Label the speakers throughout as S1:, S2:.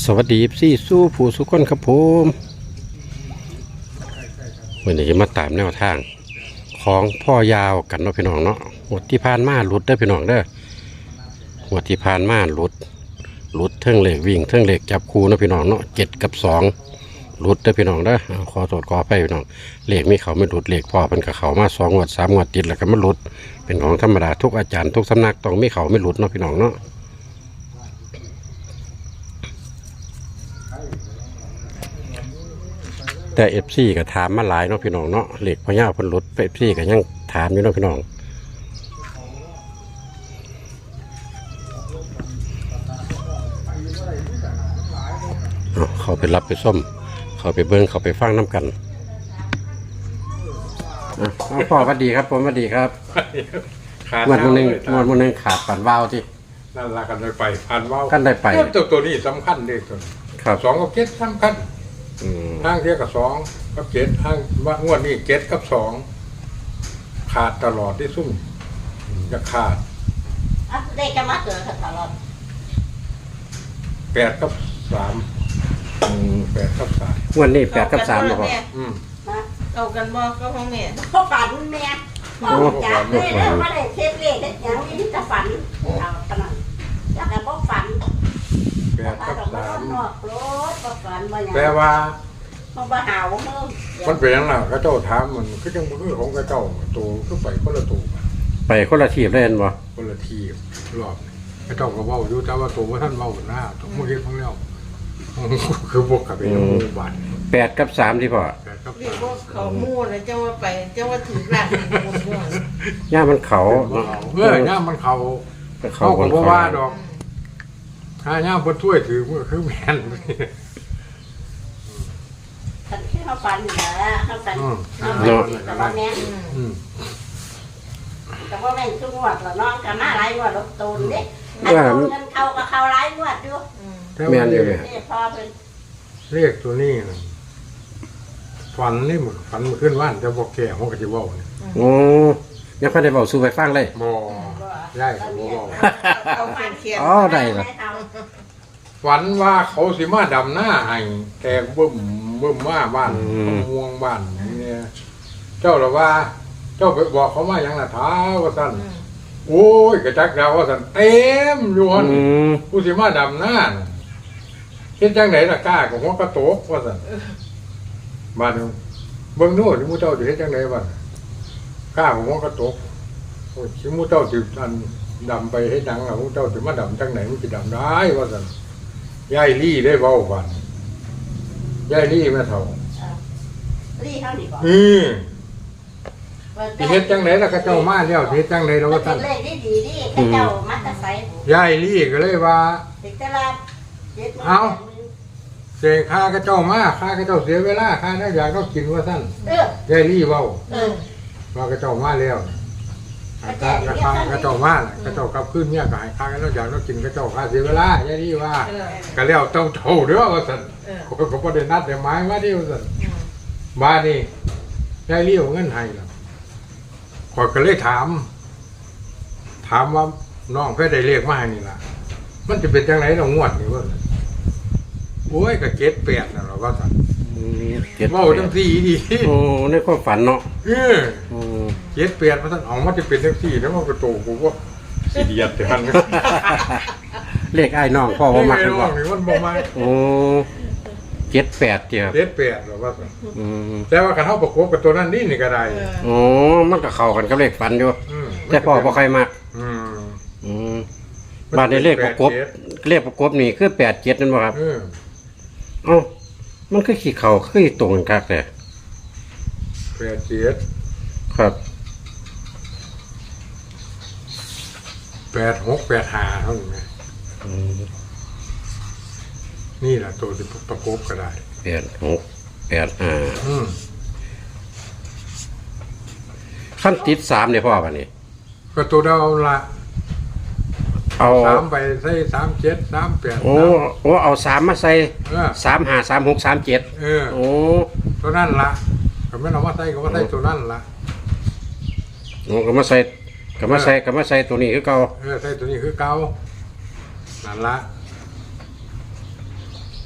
S1: สวัสดีพี่สู้ผู้สุขคนครับผมวันนี้จะมาตามแนวทางของพ่อยาวกันเนาะพี่น้องเนาะหวดที่ผ่านมาหลุดได้พี่น้องเด้อหวดที่ผ่านมาหลุดเทิงเหล็กวิ่งเทิงเหล็กจับคู่เนาะพี่น้องเนาะ7 กับ 2หลุดได้พี่น้องเด้อขอโทษขอไปพี่น้องเหล็กมีเขาไม่หลุดเหล็กพ่อเป็นกับเขามา2 งวด 3 งวดติดแล้วก็มันหลุดเป็นของธรรมดาทุกอาจารย์ทุกสำนักต้องมีเขาไม่หลุดเนาะพี่น้องเนาะแต่FCก็ถามมาหลายเนาะพี่น้องเนาะเหล็กพญาเพิ่นหลุดFCก็ยังถามอยู่เนาะพี่น้องเขาไปรับไปส้มเขาไปเบิ้งเขาไปฟังน้ำกันพ่อสวัสดีครับผมสวัสดีครับวันนึงขาดปั่นวาวที่
S2: นั่นละกันได้ไปผ่านว่าว
S1: กันได้ไป
S2: ตัวนี้สำคัญเลยตัวครับ2 กับ 7สำคัญห้างเทียกับ2 กับ 7ห้างว่างวดนี้7 กับ 2ขาดตลอดที่ซุ่มจะขาด
S3: ได้จะมาเกิดตลอด
S2: 8 กับ 3 8 กับ 3
S1: วันนี้8 กับ 3หรอพ่อ
S3: เอากันบ่ก็ของแม่พ่อฝันแม่จากเลยแล้วมาได้เทปเลขอย่างนี้จะฝันเอาขนาดจากแต่พ่อฝัน
S2: 8 กับ 3
S3: แปล
S2: ว่า
S3: มาหาวมึง
S2: มันเป็นยังไงก็เจ้าถามมันคือจังคือของกระเจ้าตัวคือไปคนละตัว
S1: ไปคนละทีบเล่นบ่
S2: คนละทีรอบกระเจ้าก็เว้าอยู่แต่ว่าตัวว่าท่านเว้าหน้าต้องมาเฮ็ดของแล้วคือพวกกับเป็นหมู่บ้าน
S1: 8 กับ 3ที่พ่อ
S3: เรียกว่าเขามู่นะเจ้าว่าไปเจ้าว่าถือหลักหมดว่า
S1: ย่ามันเขา
S2: ย่ามันเขาก็บ่ว่าดอกถ้าย่าเพิ่นช่วยถือมันคือแม่น
S3: ฉันแค่เขาฝันอยู่นะเขาฝันแต่ว่าแม่แต่ว่าแม่ทุกงวดแล้วน้องกับมาหลายงวดรถตูนเด็กเงินเขากับเขาหลายงวดด้วย
S1: แม่นอยู่
S3: พอเป็น
S2: เรียกตัวนี้นะฝันนี่มันฝันมันขึ้นว่านจะบอกแก่ของกระจิบเว้าเนี่ย
S1: โอ้ยังค่อยได้เว้าสู่ไปฟังเลย
S2: บ่ได้ก็บ่เว้า
S3: เอาฝันเขียน
S1: ได้ล่ะ
S2: ฝันว่าเขาสิมาดำหน้าให้แต่บึ้มว่าบ้านม่วงบ้านเนี่ยเจ้าละว่าเจ้าไปบอกเขามาอย่างน่ะท้าว่าซั่นโอ้ยกระจักดาวว่าซั่นเต็มอยู่หั่นผู้สิมาดำหน้าเฮ็ดจังได๋ล่ะกล้าของหัวกระโตกว่าซั่นบ้านเบิ่งโน่นหมู่เจ้าสิเฮ็ดจังได๋บัดกล้าของหัวกระโตกโอ้ยสิหมู่เจ้าสิอันดำไปเฮ็ดหยังล่ะหมู่เจ้าสิมาดำจังไหนมันสิดำได้ว่าซั่นยายลี่ได้เว้าบัดยายลี่แม่เฒ่า
S3: ลี่เฮานี่บ่
S2: สิเฮ็ดจังได๋ล่ะก็เจ้ามาแล้วสิเฮ็ดจังได๋ดอกว่าซั่น
S3: เลขดีๆเจ้ามาแต่ไส
S2: ยายลี่ก็เลยว่าเอาเสียค่าก็เจ้ามาค่าก็เจ้าเสียเวลาค่าน่าอยากต้องกินว่าซั่นยายลี่เว้าว่าก็เจ้ามาแล้วค่าก็เจ้ามาก็เจ้ากลับคืนเนี่ยก็ให้ค่าก็อยากต้องกินก็เจ้าค่าเสียเวลายายลี่ว่าก็แล้วเจ้าเท่าเด้อว่าซั่นก็บ่ได้นัดได้หมายว่าดิว่าซั่นบ้านนี้ยายลี่เอาเงินให้ล่ะข้อยก็เลยถามว่าน้องเพิ่นได้เลขมาให้นี่ล่ะมันจะเป็นจังไหนเรางวดนี่ว่าโอ้ยก็7-8น่ะเราว่าซั่นเว้าจังซี่ดี
S1: โอ้ในความฝันเนาะ
S2: 7-8ว่าซั่นเอามันจะเป็นจังซี่แล้วมันก็โตกูว่าสิเดียดหั่น
S1: เลขอ้ายน้องพ่อบ่มัก
S2: นี่มันบ่มัก
S1: โอ้7-8เด้อ
S2: 7-8เราว่าซั่นแต่ว่าคันเฮาประกบกับตัวนั้นนี่ก็ได้
S1: อ๋อมันก็เข้ากันกับเลขฝันอยู่แต่พ่อบ่ค่อยมักบาทในเลขประกบนี่คือ87นั่นบ่ครับเอ้ามันคือขี้เขาคือตรงกันคักแต่
S2: 87ครับ86-85เท่านั้นนี่ล่ะตัวที่ประกบก็ได้
S1: 86-85ขั้นติด3เนี่ยพ่อบัดนี้
S2: ก็ตัวเดาละเอา3ไปใส่37 38
S1: โอ้เอา3มาใส่35 36 37โอ้
S2: ตัวนั้นล่ะก็ไม่เอามาใส่ก็ว่าใส่ตัวนั้นล่ะ
S1: โอ้ก็มาใส่ตัวนี้คือเก่า
S2: ใส่ตัวนี้คือเก่านั่นล่ะ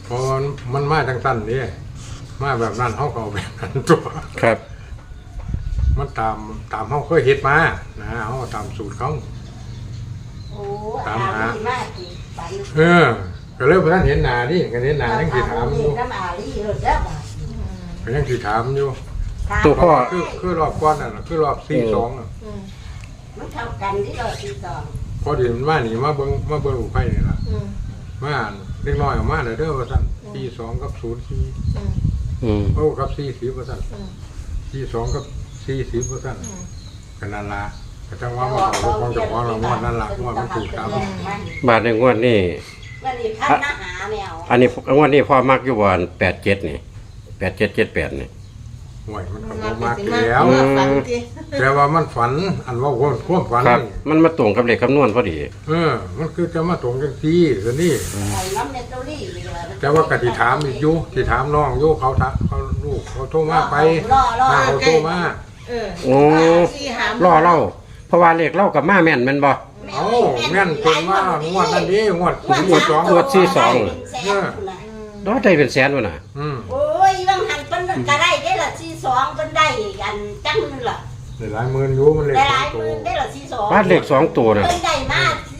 S2: เพราะมันมาจังสั้นนี่มาแบบนั้นเขาก็เอาแบบนั้นตัว
S1: ครับ
S2: มันตามเขาเคยเฮ็ดมานะเขาก็ตามสูตรเขา
S3: โอ้
S2: ตามหา
S3: มากจริงฝัน
S2: ก็เลยพอท่านเห็นหน้านี่ก็เห็นหน้ายังสิถามอยู่
S3: น้ำอาลีเลยเด้อบ่
S2: ก็ยังสิถามอยู่
S1: ตัวพ่อ
S2: คือรอบก้อนนั่นน่ะคือรอบ42น่ะ
S3: มันเท่ากันที่เราตีสอง
S2: พอดีมันมานี่มาเบิ่งอุไผนี่ล่ะมาเล็กน้อยออกมาเด้อว่าซั่น42กับ04
S1: อืม
S2: โอ้กับ40ว่าซั่น42กับ40ว่าซั่นก็นั่นล่ะก็จังว่ามาเอาของเจ้าของเราว่านั่นล่ะว่ามันถูกตาม
S1: บาทในงวดนี้
S3: วันนี้ท่านมาหาแมว
S1: อันนี้งวดนี้พ่อมักอยู่บ่อน87นี่8778นี่
S2: ห่วยมันก็บ่มากแล้ว
S4: ฝันที
S2: แต่ว่ามันฝันอันว่าความฝัน
S1: ครับ
S2: นี่
S1: มันมาตรงกับเลขคำนวณพอดี
S2: มันคือจะมาตรงกันซี่ซะนี่
S3: ใส่น้ำเนตเตอรี่เลย
S2: แต่ว่ากติถามอีกอยู่ที่ถามน้องอยู่เขาลูกเขาโทรมาไป
S3: รอ
S2: มาเขาโทรมา
S1: โอ้
S4: สี่หาม
S1: ล่อเล่าเพราะว่าเลขเล่ากับมาแม่นแม่นบ่
S2: เอ้าแม่นคนว่างวดนั่นดิงวด42
S1: งวดที่สอง ดอได้เป็นแสนวะน่ะ
S3: โอ้ยบางหันเพิ่นก็ได้ได้ละ42เพิ่นได้กันจังนึงล่ะ
S2: ได้หลายหมื่นอยู่มันเลย
S3: ได้หลาย
S2: โต
S3: หมื่นได้ละ42
S1: บ้านเลข2ตัวน่ะ
S3: เพิ่นได้มา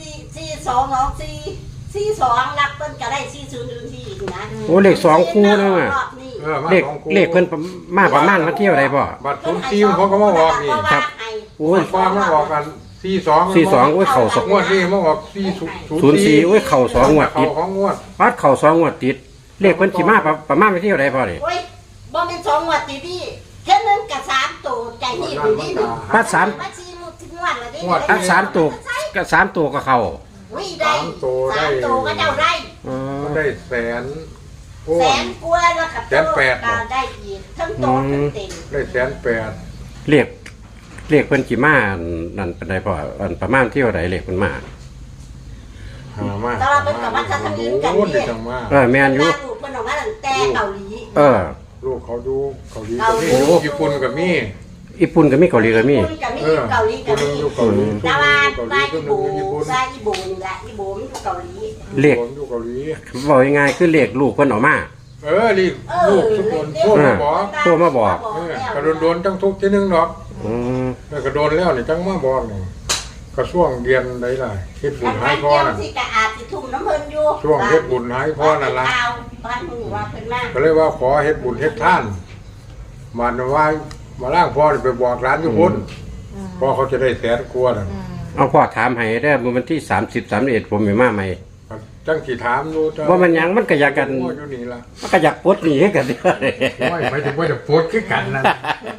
S3: 42รักเพิ่นก็ได้40อีกนะ
S1: โอ้เลข2คู่นั่นน่ะ
S2: มา
S1: เลข
S2: สองคู่
S1: เลขเพิ่นมาประมาณมาเที่ยวได้บ่
S2: บัตร04เขาก็มาบอกนี่
S1: ครับ โอ้ย
S2: ฟ้ามาบอกกัน42
S1: 42โอ้ยเข้าสอง
S2: งวดนี้มาบอก
S1: 04โอ้ยเข้า2งวดติด
S2: ของงวด
S1: วัดเข้า2งวดติด เลขเพิ่นสิมาประมาณมาเที่ยวได้พ่อนี่
S3: โอ้ยบ่แม่น2งวดติดนี่แค่นึงก็3ตัวใจนี่อยู่นี่นึง
S1: ปัดสาม
S3: มา4งวดแล้วดิ
S1: อัน3ตัวก็3ตัวก็เข้า
S3: อุ้ยได้3ตัวก็เจ้าได้
S1: อ๋อ
S2: มันได้แสนโอ้
S3: แสนกว่าแล้วก็
S2: 180,000
S3: ก็ได้อีกทั้งโตทั้งเต็ม
S2: ได้180,000
S1: เลขเพิ่นสิมานั่นเป็นได้พ่ออันประมาณเที่ยวใดเลขเพิ่นมา
S2: หามา
S3: แต่ว่าเพิ่นก็มาทัศนีกัน
S2: โอ้ย
S3: นี่
S2: จังมา
S1: แม่นอยู่
S3: ลูกเพิ่นออกมาตั้งแต่เกาหลี
S1: เออ
S2: ลูกเขาดูเกาหลี
S3: เกาหลี
S2: กับมีญี่ปุ่นกับมี
S1: ญี่ปุ่นก็มีเกาหลีก็มี
S3: ญี่ปุ่นก็มีเกาหลีก็
S2: คนหนึ
S3: มี
S2: งอยู่เกาหลี
S3: แต่ว่า
S2: เกาหลี
S3: บ้าน
S2: คน
S3: อี
S2: หนึ
S3: โบ
S2: งอยู่ญี่ปุ่น
S3: บ้านอีโบนี่แหละอีโบมันอยู่เกาหลี
S1: เลข
S2: คนอยู่เกาหลี
S1: บอกยังไงคือเลขลูกเพิ่นออกมา
S2: รีบลูกทุกคนพวกมาบอก
S1: โทรมาบอก
S2: กระโดนจังทุกที่นึงหรอก
S1: อืม
S2: กระโดนแล้วนี่จังมาบอกนี่กระช่วงเรียนได้ล่ะเฮ็ดบุ
S3: อั
S2: ญ
S3: น
S2: ให้
S3: นั้น
S2: พ่อ
S3: เกี่ยว
S2: นั่น
S3: ที่กะอาจสิทุ่มน้ำเพิ่นอยู่
S2: ช่วงเฮ็ดบุญให้พ่อนั่นล่ะ
S3: บ้านมึงว่าเพิ่นมา
S2: ก็เลยว่าขอเฮ็ดบุญเฮ็ดท่านมันว่ามาล่างพ่อนี่ไปบอกร้านอยู่พุ่นพ่อเขาจะได้แสนกว่านั่น
S1: เอาพ่อถามให้ได้อมื้อวันที่30 31ผมไม่มาใหม่
S2: จังสิถามอยู่
S1: ว่ามันหยังมันก็อยากกัน
S2: พ่ออยู่นี่ล่ะ
S1: มันก็อยากปลดหนี้ให้กันเด้อ
S2: ไม่ถึงว่าจะโพสคือกันนั่น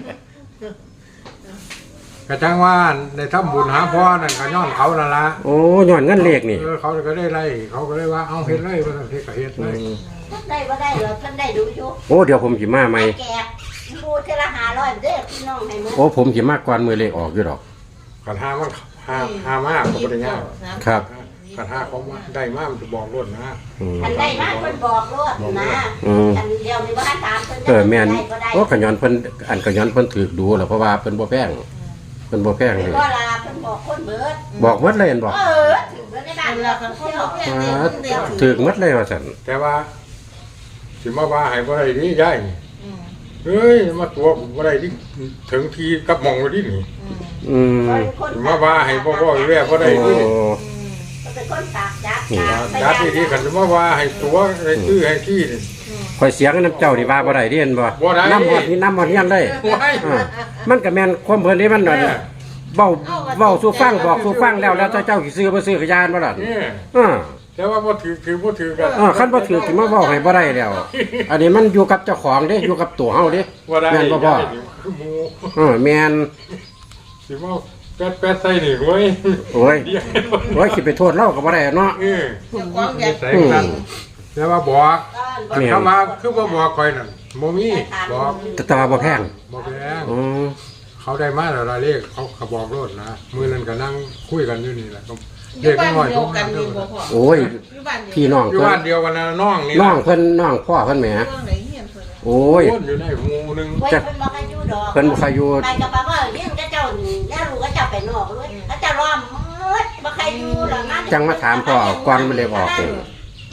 S2: กระทั่งว่าในถ้ำบุญหาพ่อนั่นก็ย้อนเขานั่นละ
S1: โอ้ย้อนเงินเลขนี่
S2: เขาก็ได้ไล่เขาก็เลยว่าเอาเฮ็ดไล่ว่าเฮ็ดก็เฮ็ดไล่
S3: ท่านได้บ่ได้เหรอท่านได้ดูอยู่
S1: โอ้เดี๋ยวผมสิมาใหม่
S3: แกะพูดเทละ500เด้อพี่น้องให้มื้อ
S1: โอ้ผมสิมาก่อนมื้อเลขออกอยู่ดอก
S2: ขันห้ามันห้ามากก็บ่ได้ยาก
S1: ครับ
S2: ขันห้าเขามาได้มากมันจะบอกรถนะ
S1: อืม
S3: ท่านได้มาเพิ่นบอกรถนะ
S1: อืม
S3: ท่านเดียวนี่บ่ทันถามเพิ่น
S1: แม่น
S3: ได้บ่ได้
S1: โอ้ขย้อนเพิ่นอันขย้อนเพิ่นถูกดูแล้วเพราะว่าเพิ่นบ่แพงเพิ่นบ่แพง
S3: เพิ่
S1: เล
S3: น
S1: ย
S3: บ่ลาเพิ่นบอกคนเบิด
S1: บอกหมดเลยเห็นบ่
S3: ถึงเบิดในบ้าน
S4: เว
S3: เรา
S4: ลา
S3: เพิ่
S4: คั
S3: น
S4: น
S3: เที่
S4: เขา
S3: ยว
S4: บอกแค่เดียวเดียว
S1: ถูกหมดเลยว่าซั่น
S2: แต่ว่าสิมาว่าให้บ่ได้ดิยายเฮ้ยมาตัวผมบ่ได้ดิถึงทีกับหมองไว้ดินี่
S1: อืม
S2: สิมาว่าให้บ่แว่บ่ได้ดิ
S1: โอ้
S3: เป็นคนปากจัด
S2: จัดที่ขันสิมาว่าให้ตัวให้ซื้อให้ที่นี่
S1: ข่อยเสียงน้ำเจ้านี่ว่าบ่ได้เด้เห็นบ่
S2: บ่ได้
S1: น้ำหอดนี่น้ำหอดเฮียนเลย
S2: ไว้
S1: อ่ามันก็แม่นความเพิ่นนี่มันนั่นเว้าสู่ฟังบอกสู่ฟังแล้วแล้วเจ้าสิซื้อบ่ซื้อก็ยานบ่ล่ะ
S2: นี่
S1: อ่า
S2: แต่ว่าบ่ถือบ่ถือกัน
S1: คันบ่ถือสิมาเว้าให้บ่ได้แล้ว อันนี้มันอยู่กับเจ้าของเด้อยู่กับตัวเฮาเด้
S2: บ่ได้
S1: แม่นบ่พ่อ
S2: คือหมู
S1: แม่น
S2: สิมาแป๊ดใส่นี่เว้ย
S1: โอ้ย
S2: เดี๋ยว
S1: โอ้ยสิไปโทษเราก็บ่ได้เนาะ
S2: เออ
S4: เจ้าของอยาก
S2: ใส่กันแต่ว่าบอก
S1: แม่น
S2: คำว่าคือบ่บอกข่อยนั่นบ่มีบอก
S1: แต่ว่าบ่แพง
S2: บ่แพง
S1: อือ
S2: เขาได้มาแล้วละเลขเขาก็บอกรถนะมื้อนั้นก็นั่งคุยกันอยู่นี่แหละก็
S4: อ
S2: เล
S4: ยู่
S2: ข
S4: บ้าน
S2: น้อย
S4: เดี
S2: ทุ
S4: ยว
S2: ก
S4: กั
S2: นั้น น
S4: ดีบ่พ่อ
S1: โอ้ย
S4: อยู่บ้านเดียว
S1: พี่น้อง
S2: อยู่
S1: เพิ่
S2: บ้าน นเดียวกันนะน้องนี่
S1: น้องเพิ่นน้องพ่อเพิ่นแหม
S4: เรื่องไหนเฮียนเพิ่น
S1: โอ้ย
S2: คนอยู่ในหมู่หนึง
S3: เพิ่นบอกให้อยู่ดอก
S1: เพิ่นบ่ใครอยู่
S3: ไปกับป้าว่าเลี้ยงก็เจ้านี่แล้วลูกก็เจ้าไปนอกเลยก็จะรอมมืดบ่ใครอยู่หรอกนะ
S1: จังมาถามพ่อก่อนมันเลยออกเอง
S3: ไป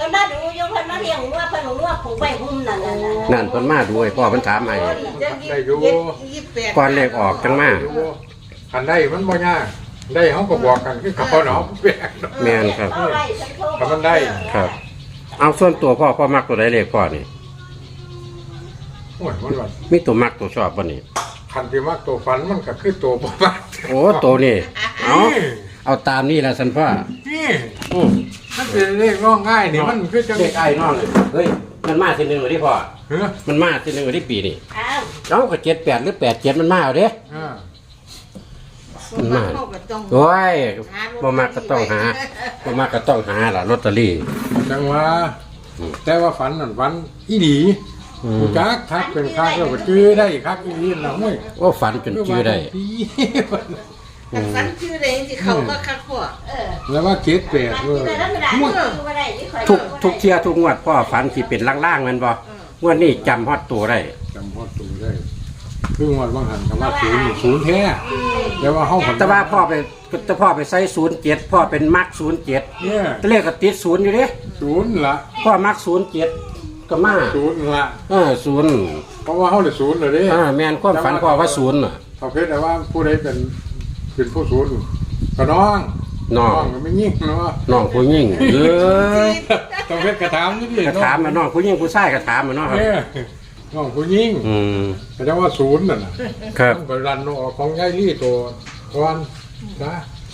S3: ก็มาดูยงเพิ่นมาเลี้ยงงัวเพิ่นงัวผูกไว้หุ้มนั่น
S1: นั่นเพิ่นมาดูให้พ่อเพิ่นถามให้
S2: ได้อยู่
S1: ก่อนเลขออกจังมา
S2: คันได้มันบ่ยากได้เขาก็บอกกันคือเขาเนาะแปลก
S1: แม่นครับ
S2: ถ้ามันได้
S1: ครับ เอาส่วนตัวพ่อมักตัวใดเลขพ่อนี่
S2: โอ้ยมันว่า
S1: มีตัวมักตัวชอบบ่นี่
S2: คันที่มักตัวฝันมันก็คือตัวบ่มัก
S1: โอ้ตัวนี่เอาตามนี่ล่ะสันพ่อ
S2: นี่
S1: อือ
S2: มันเป็นเลขร้องง่ายนี่มันคือจัง
S1: เลขไอ้น้องเลยเฮ้ยมันมาทีนึงเลยที่พ่อ
S2: เฮ้อ
S1: มันมาทีนึงเลยที่ปีนี่
S3: อ้าว
S1: เอ้าก็78หรือ87มันมาเอาเด้
S2: อ่า
S1: มันมาโอ้ยบ่มักก็ต้องหาบ่มักก็ต้องหาล่ะลอตเตอรี่
S2: จังว่าแต่ว่าฝันนั่นฝันอีหลีกูจักทักเป็นคักแล้วก็จื้อได้คักอีหลีน่ะห้วย
S1: โอ้ฝันจนจื้อได้
S4: ฝันชื่อใดสิเขาก็คักพ่อ
S2: แล้วว่าเจ็ดแปดเว้ย
S1: ทุกเที่ยทุกงวดพ่อฝันสิเป็นล่างๆแม่นบ่งวดนี้จำฮอดตัวได้
S2: จำพอตูได้คือวันบางหันคำว่าศูนย์แท้แต่ว่าห้อง
S1: แต่ว่าพ่อไปใส่07พ่อเป็นมัก07
S2: เนี่ย
S1: แต่เลขก็ติด0อยู่เด้
S2: ศูนย์ละ
S1: พ่อมัก07ก็มา
S2: ศูนย์ละ
S1: 0
S2: เพราะว่าเขาเลยศูนย์เลยเด้
S1: แม่นความฝันพ่อว่า0น่ะ
S2: ประเภทแต่ว่าผู้ใดเป็นผู้ศูนย์ก็น้อง
S1: น้อง
S2: ก็ไม่ยิ่งเนาะ
S1: น้องผู้หญิงย
S2: ต้องเพชรกระถามนี่ดิ
S1: กระถามมาน้องผู้หญิงผู้ชายกระถามมาเนาะครับ
S2: เนี่ยน้องผู้ยิ่ง แต่ว่าศูนย์น่ะนะครับ ต้องไปรันออกของยายลี่ตัวก่อนนะ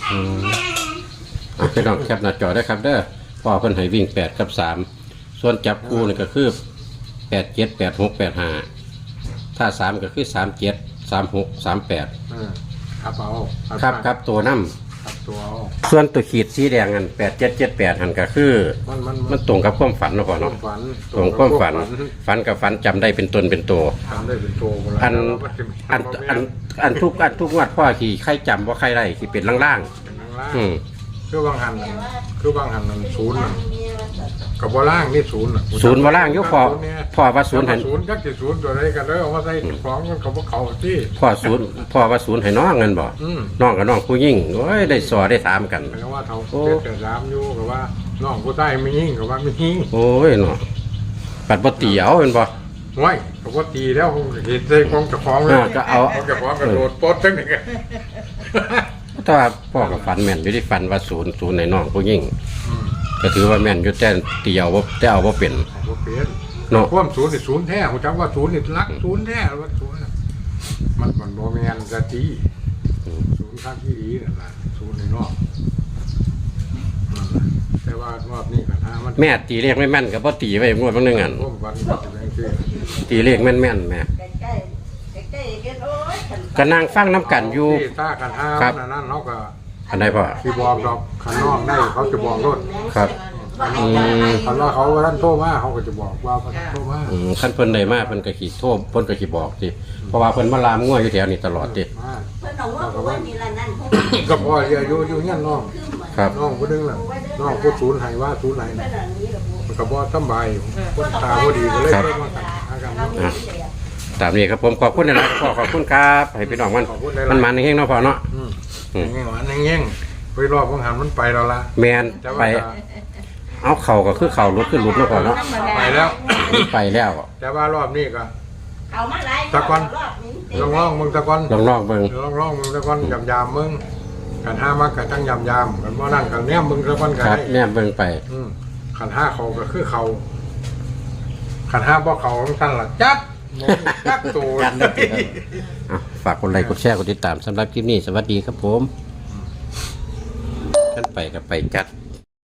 S1: พี่น้องแคปหน้าจอได้ครับเด้อพ่อเพิ่นให้วิ่ง8กับ3ส่วนจับคู่นี่ก็คือ8 7 8 6 8 5ถ้า3ก็คือ37 36 38
S2: ครับเอา
S1: ครับตัวน้
S2: ครับตัวเอา
S1: ำส่วนตัวขีดสีแดงอัน8778หันก็คือมันตรงกับความฝันเนาะพ่อเนาะ
S2: ฝัน
S1: ตรงความฝันฝันกับฝันจำได้เป็นตนเป็นตัว
S2: ทำได้เป็นตัว
S1: อันทุกงวดพ่อที่ใครจำว่าใครได้ที่เป็นล่างๆ
S2: คือบางหันศูนย์กับบ่ล่างนี่ศูนย์
S1: ศูนย์มาล่างยกพ่อว่าศูนย์ให้
S2: ศูนย์จักสิศูนย์ตัวใดกันเลยเอามาใส่ของมันเขาบ่เขาที่
S1: พ่อว่าศูนย์ให้น้องเงินบ่น้องกับน้องผู้ยิ่งโอ้ยได้สอได้ถามกัน
S2: แปลว่าเขาแต่สามอยู่กับว่าน้องผู้ใต้ไม่ยิ่งกับว่าไม่ยิ่ง
S1: โอ้ยเนาะปัดบ่ตีเอาเป็นบ่
S2: ไว้เขาก็ตีแล้วคงเห็นใจของเจ้าของเลย
S1: ก็เอา
S2: ของเจ้าของกระโดดโป๊ดทั้งนี้กัน
S1: แต่ว่าพ่อกับฝันแม่นอยู่ที่ฝันว่าศูนย์ให้น้องผู้ยิ่งก็ถือว่าแม่นอยู่แต่ตีเอาบ่แต่เอาบ่เป็น
S2: บ่เปลี่ยน
S1: เนาะ
S2: ความศูนย์นี่ศูนย์แท้ผมจำว่าศูนย์นี่รักศูนย์แท้ว่าศูนย์มันบ่แม่นจะตีศูนย์ข้างที่ดีนั่นล่ะศูนย์ในนอกแต่ว่ารอบนี้ก็ถ้ามัน
S1: แม่ตีเลขไม่แม่นก็บ่ตีไว้งวดบางนึงอัน
S2: ร่วมกันจะเป็นที่
S1: ตีเลขแม่นๆแม่
S3: ใกล้ๆกันโอ้ย
S1: ก็นั่งฟังน้ำกันอยู่
S2: ที่ตากันห้า
S1: ครับ
S2: นั่นเขาก็
S1: อันใดพ่อ
S2: ที่บอกดอกขันนอกได้เขาจะบอกรถ
S1: ครับอืม
S2: คันว่าเขาท่านโทรมาเขาก็จะบอกว่าเขาโทรมา
S1: ขั้นเพิ่นได้มาเพิ่นก็ขีดโทษเพิ่นก็ขีบอกสิเพราะว่าเพิ่นมาลามง่วยอยู่แถวนี้ตลอดติ
S2: มา
S3: เพิ่นบอกว่าผู้ว่านี่ละนั่น
S2: ก็พออยู่เงี้ยน้อง
S1: ครับ
S2: น้องผู้นึงน่ะน้องผู้ศูนย์ให้ว่าศูนย์ไหน
S3: เพิ่นอันนี้ล่ะผู้
S2: มันก็บ่สำบายคนตาบ่ดีก็เลยมากันหากัน
S1: ตามนี้ครับผมขอบคุณนะครับพ่อขอบคุณครับให้พี่น้องมันเฮงๆเนาะพ่อเนาะ
S2: เงี้ยหวานเงี้ยไปรอบของหันมันไปแล้วล่ะ
S1: แมน
S2: แต่
S1: ไป
S2: ว่า
S1: เอาเข่าก็คือเข่ารุดขึ้นรุดเนาะพ่อเนาะ
S2: ไปแล้ว
S1: ไปแล้ว
S2: แต่ว่ารอบนี้ก็
S3: เอามาหลาย
S2: ตะกอน
S3: รอบนี้
S2: ลองมึงตะกอน
S1: ลองเบิ่ง
S2: ลองมึงตะกอนยำมึงกันห้ามักกันทั้งยำกันว่านั่นกันแนมมึงตะกอนกัน
S1: ครับแม่เบิ่งไป
S2: ขันห้าเขาก็คือเขาขันห้าบ่เขาของท่านล่ะจัดจักตัว
S1: จัดเลยฝากกดไลค์กดแชร์กดติดตามสำหรับคลิปนี้สวัสดีครับผมท่านไปก็ไปจัด